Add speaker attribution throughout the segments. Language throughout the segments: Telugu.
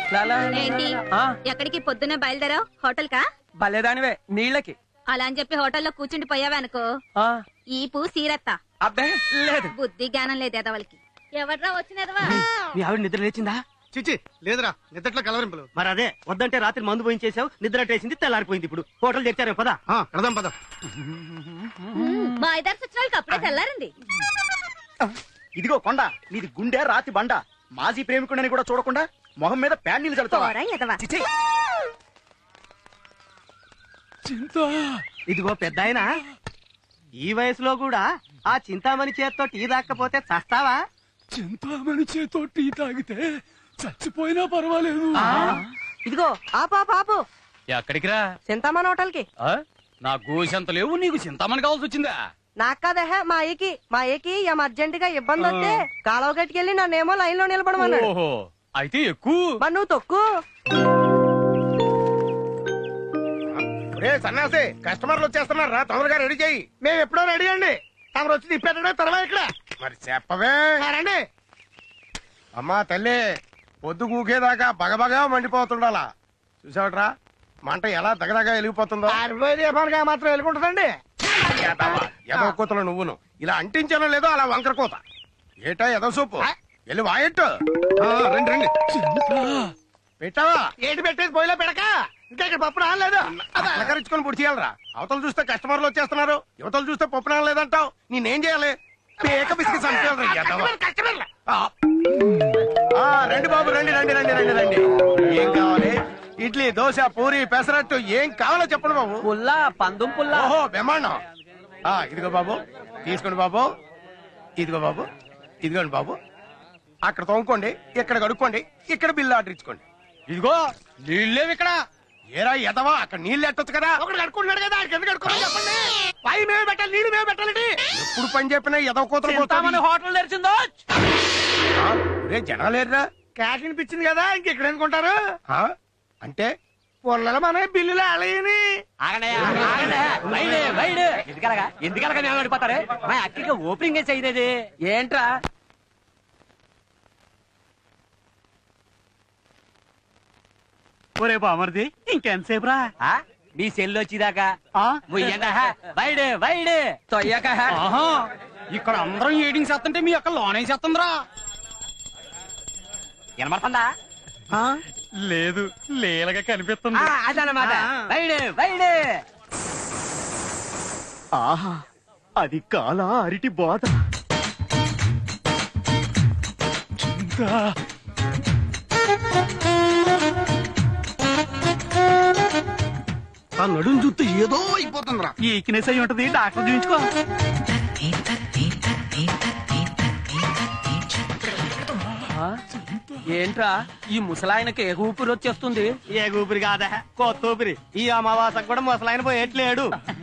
Speaker 1: ఏంటి ఎక్కడికి పొద్దున్న బయలుదేరావు? హోటల్ కా?
Speaker 2: భలేదానివే నీళ్ళకి.
Speaker 1: అలా అని చెప్పి హోటల్లో కూర్చుండి పోయావనుకో ఈపు సీరత్తా.
Speaker 2: అబ్బే లేదు.
Speaker 1: బుద్ధి జ్ఞానం లేదు ఎదవలకి. ఎవర్రా వచ్చినదవా?
Speaker 3: మీ ఆవిడ నిద్ర లేచిందా?
Speaker 4: చిచి లేదురా, నిద్రట్లో కలవరింపులు.
Speaker 3: మరి అదే వద్దంటే రాత్రి మందు పోయించేసావు, నిద్ర అట్టేసింది, తెల్లారిపోయింది. ఇప్పుడు హోటల్ తెచ్చారే పదా.
Speaker 4: కడదాం పద.
Speaker 1: మా ఐదారు సచ్చినాలకి అప్పుడే తెల్లారింది.
Speaker 3: ఇదిగో కొండ, నీది గుండె రాతి బండ. మాజీ ప్రేమికుడని కూడా చూడకుండా మొహం మీద ప్యాన్ నీళ్ళు చల్లుతావా? చిచి. ఇదిగో పెద్దాయన, ఈ వయసులో కూడా ఆ చింతామణి చేత్తో టీ తాకపోతే చస్తావా?
Speaker 5: చింతామణి చేతో టీ తాగితే చచ్చిపోయినా పర్వాలేదు.
Speaker 2: ఇదిగో ఆపు.
Speaker 5: ఎక్కడికి రా?
Speaker 2: చింతామణి హోటల్ కి.
Speaker 5: నా గోసెంత లేవు, నీకు చింతామణి కావాల్సి వచ్చిందా?
Speaker 2: నాకు కాదహ మా ఏకి ఏం అర్జెంట్ గా ఇబ్బంది వస్తే కాలువ గట్టుకెళ్ళి నన్నేమో లైన్ లో నిలబడమన్నాడు.
Speaker 5: ఓహో, అయితే ఎక్కువ.
Speaker 2: మరి నువ్వు తొక్కు.
Speaker 4: సన్నాసి, కస్టమర్లు వచ్చేస్తున్నారా, తొందరగా రెడీ చేయి. మేము ఎప్పుడో రెడీ అండి, తమరు వచ్చి తిప్పేటో తర్వాత ఇక్కడ. మరి చెప్పవే. రండి. అమ్మా తల్లి, పొద్దు కూకేదాకా బగబగా మండిపోతుండాలా. చూసావట్రా మంట ఎలా దగదగా వెలిగిపోతుందో. మాత్రం వెలుగుంటుందండి. ఎదో కూతలు నువ్వును ఇలా అంటించానో లేదో అలా వంకర కూత. ఏటా ఎదో సూపు వెళ్ళి వాయట్టు. రండి రండి. పెట్టావా? ఏంటి పెట్టేది పోయిలో పెడక. ఇంకా ఇక్కడ పప్పు రాలేదు. అలకరించుకొని పొడి చేయాలరా. అవతలు చూస్తే కస్టమర్లు వచ్చేస్తున్నారు, యువతలు చూస్తే పప్పు రాలేదంటావు. నేనేం చేయాలి? పేక బిస్కెట్ రండి బాబు, రండి రండి రండి రండి రండి. ఏం కావాలి? ఇడ్లీ, దోశ, పూరి, పెసరట్టు ఏం కావాలో చెప్పండి బాబు.
Speaker 2: పుల్లా, పందుం పుల్లా.
Speaker 4: ఓహో బ్రహ్మాండం. ఇదిగో బాబు, తీసుకోండి బాబు. ఇదిగో బాబు, ఇదిగోండి బాబు. అక్కడ తోముకోండి, ఇక్కడ కడుక్కోండి, ఇక్కడ బిల్లు ఆర్డర్ ఇచ్చుకోండి.
Speaker 5: ఇదిగో నీళ్ళేవి ఇక్కడ.
Speaker 4: ఏరా ఎదవా, అక్కడ నీళ్ళు ఎట్టొచ్చు కదా. ఒకటి కడుకుంటున్నాడు కదా, ఎందుకు కడుక్కోమని చెప్పండి. పై మేము పెట్టాలి, నీళ్ళు మేము పెట్టాలండి. ఎప్పుడు పని చెప్పినా ఎదవ కూతురు
Speaker 2: హోటల్ తెరిచిందో.
Speaker 4: రే జనాలేరా, క్యాష్ అనిపించింది కదా, ఇంకెక్కడ ఎందుకుంటారు. అంటే పొల్లల మన బిల్లులు అలయని.
Speaker 2: ఎందుకలగా మేము పడిపోతారు. మా అక్కడికి ఓపెనింగ్ చేయలేదు ఏంట్రా?
Speaker 3: ఒరే బామర్ది, ఇంకెంతసేపు రా?
Speaker 2: మీ సెల్లు వచ్చేదాకా
Speaker 5: ఇక్కడ అందరం ఏడింగ్ చేస్తుంటే మీ అక్క లోనే చేస్తుందిరా.
Speaker 2: వినమడుతుందా?
Speaker 5: లేదు, లేలగా కనిపిస్తుంది.
Speaker 2: అదనమాట.
Speaker 3: ఆహా, అది కాల అరిటి బోధ.
Speaker 4: ఆ నడుము చూస్తే ఏదో అయిపోతుందిరా.
Speaker 3: ఈక్నెస్ అయి ఉంటది, డాక్టర్ చూపించుకో.
Speaker 2: ఏంట్రా ఈ ముసలాయనకి ఏ ఊపిరి వచ్చేస్తుంది?
Speaker 3: ఏ ఊపిరి కాదా, కొత్త ఊపిరి. ఈ అమావాసకు కూడా ముసలాయన పోయేట్లేడు.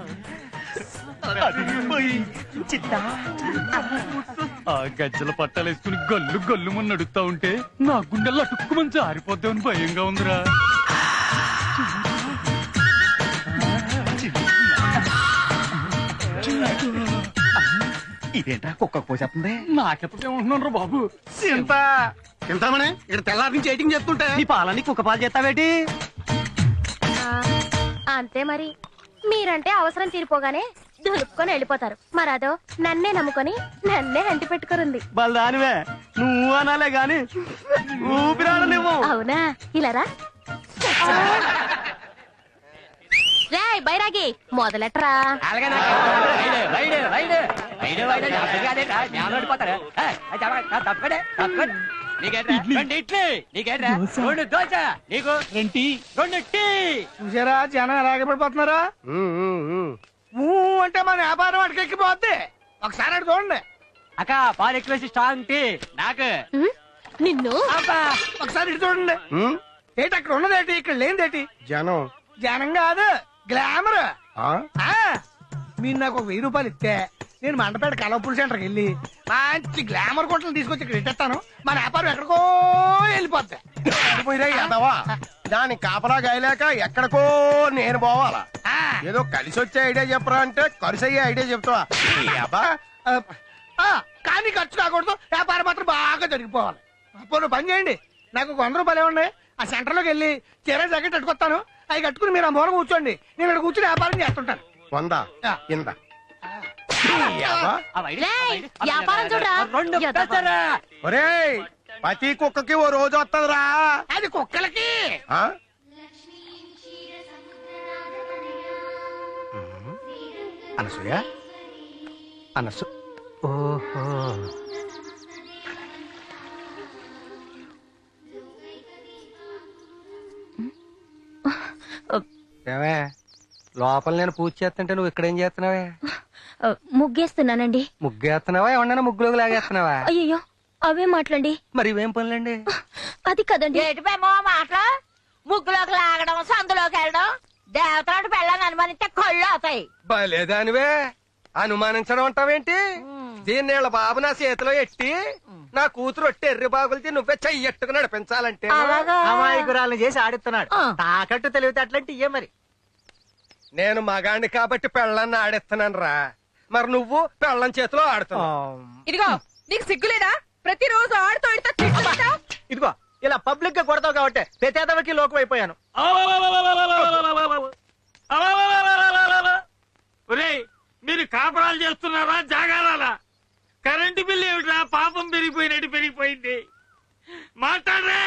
Speaker 5: ఆ గజ్జల పట్టాలేసుకుని గల్లు గల్లు మున్న నడుస్తా ఉంటే నా గుండెల్లో అటుక్కుమని జారిపోద్దామని భయంగా ఉందిరా.
Speaker 3: ఇదేంట్రా కుక్కకు పోసేస్తుంది?
Speaker 5: నాకెప్పుడేమంటున్నాను రా బాబు.
Speaker 4: తింటామని ఇక్కడ తెల్లారి నుంచి ఎయిటింగ్ చేస్తుంటే
Speaker 3: నీ పాలని కుక్క పాలు చేస్తావేటి?
Speaker 1: అంతే మరి. మీరంటే అవసరం తీరిపోగానే దులుపుకొని వెళ్ళిపోతారు. మరదో నన్నే నమ్ముకొని నన్నే అంటి పెట్టుకురుంది.
Speaker 3: బల్దానివే, నువ్వు అనాలే గాని ఊపిరాడలేవు.
Speaker 1: అవునా? ఇలారా రే బైరాగి, మొదలెట్రా.
Speaker 4: చూసారా జనం ఎలాగే పడిపోతున్నారా. అంటే మన వ్యాపారం అటుకెక్కిపోద్ది. ఒకసారి అటు చూడండి.
Speaker 2: అక్క పాలు ఎక్కువ స్ట్రాంగ్ టీ నాకు.
Speaker 1: నిన్ను
Speaker 4: ఒకసారి ఇటు చూడండి. ఏంటి అక్కడ ఉన్నదేటి, ఇక్కడ లేనిదేటి? జనం. జనం కాదు, గ్లామర్. మీరు నాకు ఒక 1000 రూపాయలు ఇస్తే నేను మండపేట కలవపూల్ సెంటర్కి వెళ్ళి మంచి గ్లామర్ కొట్టలు తీసుకొచ్చి ఇక్కడ ఇట్టేస్తాను. మన వ్యాపారం ఎక్కడికో వెళ్ళిపోద్ది. దాని కాపలా గాయలేక ఎక్కడికో నేను పోవాలా? ఏదో కలిసి వచ్చే ఐడియా చెప్పరా అంటే ఖర్చు అయ్యే ఐడియా చెప్తావా? కానీ ఖర్చు కాకూడదు, వ్యాపారం మాత్రం బాగా జరిగిపోవాలి. అప్పుడు పని చేయండి, నాకు 100 రూపాయలు ఇవ్వండి. ఆ సెంటర్ లోకి వెళ్ళి చీర జాకెట్ కట్టుకొస్తాను. అవి కట్టుకుని మీరు ఆ మూల కూర్చోండి, నేను ఇక్కడ కూర్చుని వ్యాపారం చేస్తుంటాను. 100 కింద
Speaker 1: వ్యాపారం చూడరా
Speaker 4: ఒరేయ్, ప్రతి కుక్కకి ఓ రోజు వస్తుందిరా. అది కుక్కలకి. అనసూయ, అనసు, ఓహో, ఏమే లోపల నేను పూజ చేస్తుంటే నువ్వు ఇక్కడేం చేస్తున్నావే?
Speaker 1: ముగ్గేస్తున్నానండి.
Speaker 4: ముగ్గేస్తున్నావా? ఏమన్నా ముగ్గులోకి లాగేస్తున్నావా?
Speaker 1: అయ్యో అవే మాట్లాడండి.
Speaker 4: మరి ఇవేం పనులండి?
Speaker 1: అది కదండి.
Speaker 6: ఏటిపేమో మాటలు, ముగ్గులోకి లాగడం, సందులోకి వెళ్ళడం, దేవతలాంటి పెళ్ళని అనుమానిస్తే కళ్ళు అవుతాయి.
Speaker 4: బలేదానివే, అనుమానించడం అంటావేంటి? దీన్నేళ్ళ బాబు నా చేతిలో ఎట్టి నా కూతురు ఒట్టి ఎర్రి బాగులతో నువ్వే చెయ్యట్టుకు నడిపించాలంటే
Speaker 3: అమాయకురాలను చేసి ఆడిస్తున్నాడు. తాకట్టు తెలివితే అట్లాంటి ఇయ్యే మరి.
Speaker 4: నేను మగాణ్ణి కాబట్టి పెళ్ళాన్ని ఆడిస్తున్నాను రా, మరి నువ్వు పెళ్ళం చేతిలో ఆడుతున్నావు.
Speaker 6: ఇదిగో నీకు సిగ్గులేదా? ప్రతిరోజు ఆడుతూ
Speaker 3: ఇదిగో ఇలా పబ్లిక్ గా కొడతావు కాబట్టి ప్రతేదవకి లోకం అయిపోయాను.
Speaker 5: మీరు కాపురాలు చేస్తున్నారా జాగారాలా? కరెంటు బిల్లు ఏమిట్రా పాపం పెరిగిపోయినట్టు పెరిగిపోయింది. మాట్లాడరే.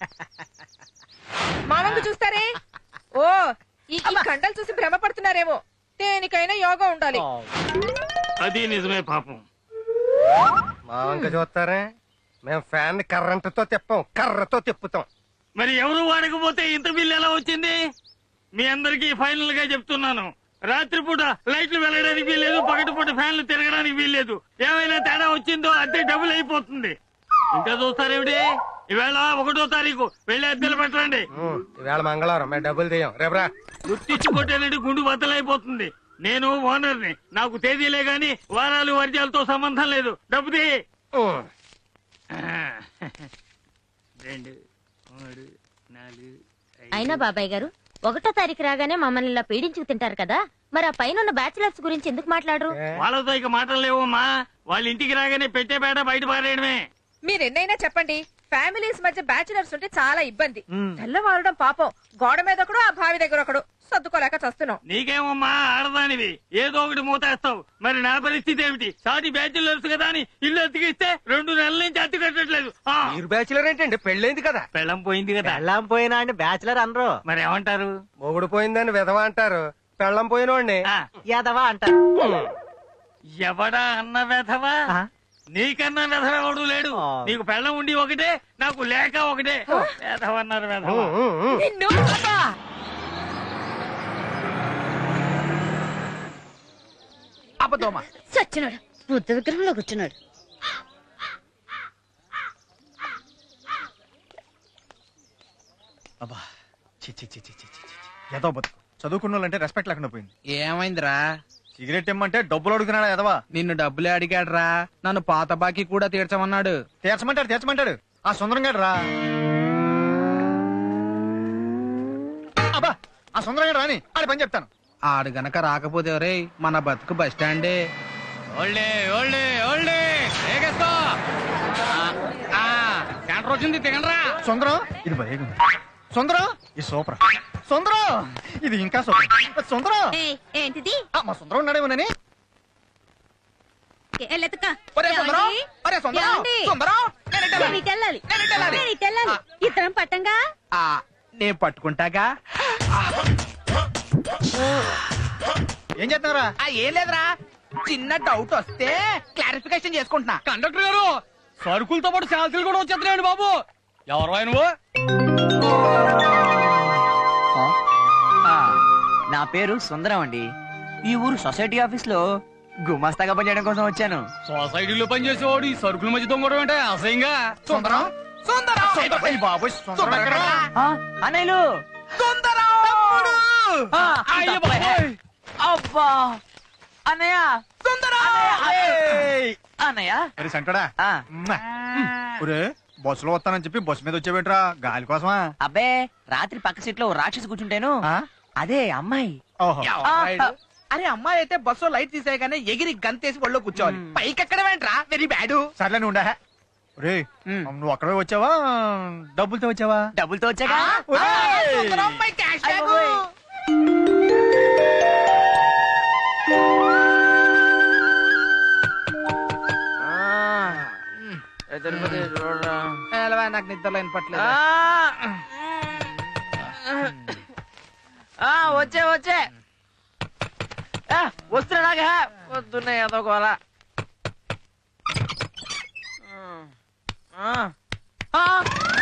Speaker 6: మామంగు చూస్తారే. ఓ ఈ కండలు చూసి భ్రమపడుతున్నారేమో. దేనికైనా యోగా ఉండాలి.
Speaker 5: అది నిజమే పాపం.
Speaker 4: మా వంక చూస్తారే, మేము ఫ్యాన్ కర్రంటతో తిప్పాం, కర్రతో తిప్పుతాం.
Speaker 5: మరి ఎవరు వాడకపోతే ఇంత బిల్లు ఎలా వచ్చింది? మీ అందరికీ ఫైనల్ గా చెప్తున్నాను, రాత్రిపూట లైట్లు వెళ్ళడానికి వీల్లేదు, పగటిపూట ఫ్యాన్లు తిరగడానికి వీల్లేదు. ఏమైనా తేడా వచ్చిందో అద్దె డబుల్ అయిపోతుంది. ఇంకా చూస్తారేమిటి? ఈవేళ 1వ తారీఖు వెళ్ళి అద్దెలు పెట్టండి.
Speaker 4: ఈవేళ మంగళవారం, మేము డబ్బులు తీయం. రేపురా.
Speaker 5: గుర్తించి కొట్టేనండి గుండు బద్దలైపోతుంది. నేను ఓనర్ని, నాకు తేదీలే గాని వారాలు వర్జాలతో సంబంధం లేదు. డబ్బు తీ. 2 3 4
Speaker 1: అయినా బాబాయ్ గారు 1వ తారీఖు రాగానే మమ్మల్ని ఇలా పీడించుకు తింటారు కదా, మరి ఆ పైన ఉన్న బ్యాచిలర్స్ గురించి ఎందుకు మాట్లాడరు?
Speaker 5: వాళ్ళతో ఇక మాటలు లేవమ్మా. వాళ్ళ ఇంటికి రాగానే పెట్టే బేట బయట పారేయడమే.
Speaker 6: మీరెన్నైనా చెప్పండి, ఫ్యామిలీస్ మధ్య బ్యాచులర్స్ ఉంటే చాలా ఇబ్బంది. తెల్లవారడం పాపం, గోడ మీద ఒకడు, ఆ బావి దగ్గర ఒకడు, సర్దుకోలేక చస్తున్నాం.
Speaker 5: నీకేమమ్మా ఆడదానివి, ఏదో ఒకటి మూతేస్తావు. మరి నా పరిస్థితి ఏమిటి? సాటి బ్యాచులర్స్ కదా అని ఇల్లు అతికిస్తే 2 నెలల నుంచి అతి కట్టట్లేదు.
Speaker 4: మీరు బ్యాచులర్ ఏంటండి? పెళ్ళైంది కదా.
Speaker 5: పెళ్ళం పోయింది కదా.
Speaker 3: పెళ్ళాం పోయినా అని బ్యాచులర్ అనరు,
Speaker 5: మరి ఏమంటారు?
Speaker 4: మొగుడు పోయిందని విధవ అంటారు, పెళ్ళం పోయినోడిని
Speaker 3: యాదవా అంటారు.
Speaker 5: ఎవడా అన్న వెధవా? నీకన్నా వెధవ ఎవడు లేడు. నీకు పెళ్ళం ఉండి ఒకటే, నాకు లేక ఒకటే. వెధవన్నారు వెధవ.
Speaker 3: అబద్ధమా?
Speaker 1: చచ్చినాడు, బుద్ధ విగ్రహంలో కూర్చున్నాడు.
Speaker 3: అబ్బా చి చి చి చి చి చి. ఏదో బతుకు చదువుకున్న వాళ్ళంటే రెస్పెక్ట్ లేకుండా పోయింది.
Speaker 7: ఏమైందిరా?
Speaker 3: సిగరెట్ ఇమ్మంటే డబ్బులు అడుగుతున్నాడా ఎదవా?
Speaker 7: నిన్ను డబ్బులే అడిగాడ్రా, నన్ను పాత బాకీ కూడా తీర్చమన్నాడు.
Speaker 3: తీర్చమంటాడు ఆ సుందరం గారు రా. అబ్బా ఆ సుందరం గారు రాని ఆడి పని చెప్తాను.
Speaker 7: ఆడు గనక రాకపోతే రే మన బతుకు బస్ స్టాండే.
Speaker 5: సెంటర్ వచ్చింది తిగండ్రా.
Speaker 3: సుందరం ఇది భయం. సుందరం ఇది సూపర్. సుందరం ఇది ఇంకా సూపర్. సుందరం
Speaker 1: ఏంటిది?
Speaker 3: మా సుందరం ఉన్నాడేమోనని.
Speaker 1: ఇద్దరం పట్టంగా.
Speaker 7: నేను పట్టుకుంటాగా.
Speaker 3: ఏం చేస్తున్నారా?
Speaker 7: ఏం లేదురా, చిన్న డౌట్ వస్తే క్లారిఫికేషన్ చేసుకుంటున్నా.
Speaker 5: కండక్టర్ గారు, సరుకులతో పాటు శాంతులు కూడా వచ్చేస్తున్నాయండి బాబు. ఎవరు ఆయన?
Speaker 8: నా పేరు సుందరం అండి. ఈ ఊరు సొసైటీ ఆఫీస్ లో గుమాస్తాగా పనిచేయడం కోసం వచ్చాను.
Speaker 5: సొసైటీలో పనిచేసేవాడు ఈ సరుకుల మధ్య దొంగడం అంటే అసహ్యంగా.
Speaker 3: సుందరం బాబు
Speaker 8: అన్నయ్యలు అబ్బా అన్నయ్య అన్నయ్య
Speaker 3: సంటడా బస్సులో వస్తానని చెప్పి బస్సు మీద వచ్చేవేంట్రా? గాలి కోసమా?
Speaker 8: అబ్బే, రాత్రి పక్క సీట్ లో రాక్షసి కూర్చుంటేను అదే అమ్మాయి.
Speaker 7: అరే అమ్మాయి అయితే బస్సు లైట్ తీసేయగానే ఎగిరి గంతేసి ఒళ్ళో కూర్చోవాలి. పైకి ఎక్కడ వెంట్రా? Very bad.
Speaker 3: సర్లే ఉండా. రే నువ్వు అక్కడే వచ్చావా డబ్బులతో వచ్చావా?
Speaker 8: డబ్బులతో వచ్చాక
Speaker 7: సుందరం పై క్యాష్ బ్యాగ్ నాకు నిద్రలో వినపట్లేదు
Speaker 8: వచ్చే వచ్చే వస్తున్నాగా వస్తున్నాయి అదొకలా ఆ